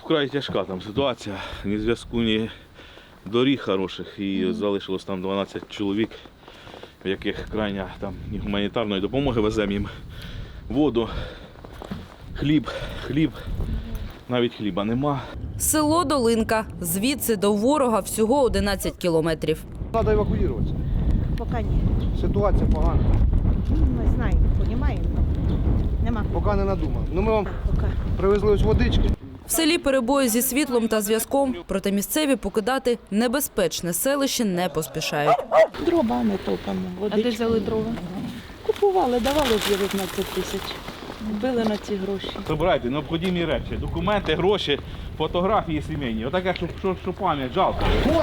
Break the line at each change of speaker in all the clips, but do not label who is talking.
Вкрай тяжка там ситуація, ні зв'язку, ні доріг хороших. І залишилось там 12 чоловік, в яких крайня там ні гуманітарної допомоги, веземо їм воду, хліб, навіть хліба нема.
Село Долинка. Звідси до ворога всього 11 кілометрів.
Треба евакуюватися.
Поки ні.
Ситуація погана.
Ми знаємо, розуміємо. Нема.
Поки не надумав. Ну ми вам
Поки.
привезли ось водички.
В селі перебої зі світлом та зв'язком, проте місцеві покидати небезпечне селище не поспішають.
Дровами топимо.
А де взяли дрова?
Купували, давали 19 тисяч. Били на ці гроші.
Забирайте необхідні речі, документи, гроші, фотографії сімейні. Отаке, що пам'ять, жалко.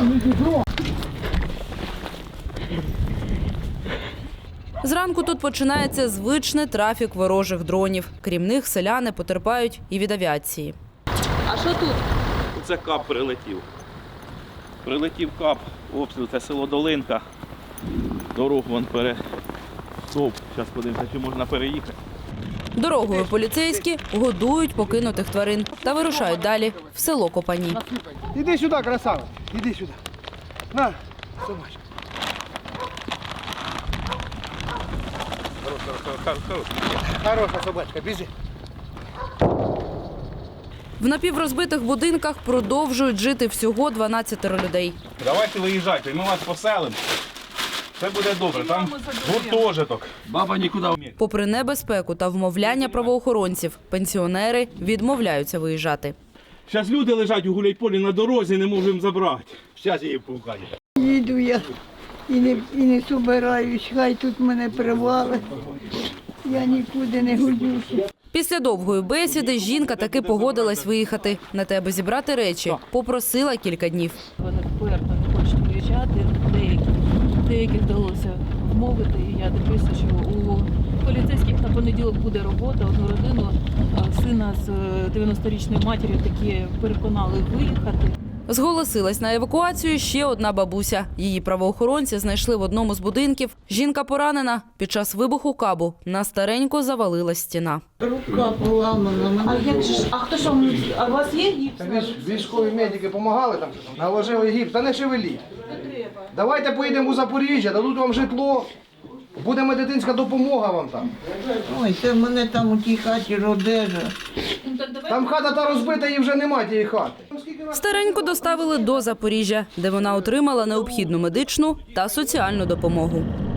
Зранку тут починається звичний трафік ворожих дронів. Крім них, селяни потерпають і від авіації.
А що тут?
Це кап прилетів. Прилетів кап, обстріл, це село Долинка. Дорогу вон перестовп. Зараз подивимося, чи можна переїхати.
Дорогою поліцейські годують покинутих тварин та вирушають далі в село Копані.
Іди сюди, красава. Іди сюди. На, собачка. Хороша собачка, біжи.
В напіврозбитих будинках продовжують жити всього 12 людей.
Давайте виїжджайте, ми вас поселимо. Все буде добре, там гуртожиток. Баба нікуди.
Попри небезпеку та вмовляння правоохоронців, пенсіонери відмовляються виїжджати.
Зараз люди лежать у гуляйполі на дорозі, не можемо забрати. Зараз її пукає.
Їду я і не собираюсь, хай тут мене привалить. Я нікуди не годюся.
Після довгої бесіди жінка таки погодилась виїхати. На те, аби зібрати речі, попросила кілька днів.
Вони вперто не хочуть виїжджати, деяких вдалося вмовити. І я дивлюся, що у поліцейських на понеділок буде робота. Одну родину, сина з 90-річною матір'ю таки переконали виїхати.
Зголосилась на евакуацію ще одна бабуся. Її правоохоронці знайшли в одному з будинків. Жінка поранена. Під час вибуху кабу на старенько завалилась стіна.
Рука поламана.
А хто ж вам, а у вас є гіпс?
Військові медики допомагали там, наложили гіпс. Та не шевеліть. Давайте поїдемо у Запоріжжя, дадуть вам житло. Буде медицинська допомога вам там.
Ой, це в мене там у тій хаті родежа.
Там хата та розбита, і вже немає тієї хати.
Стареньку доставили до Запоріжжя, де вона отримала необхідну медичну та соціальну допомогу.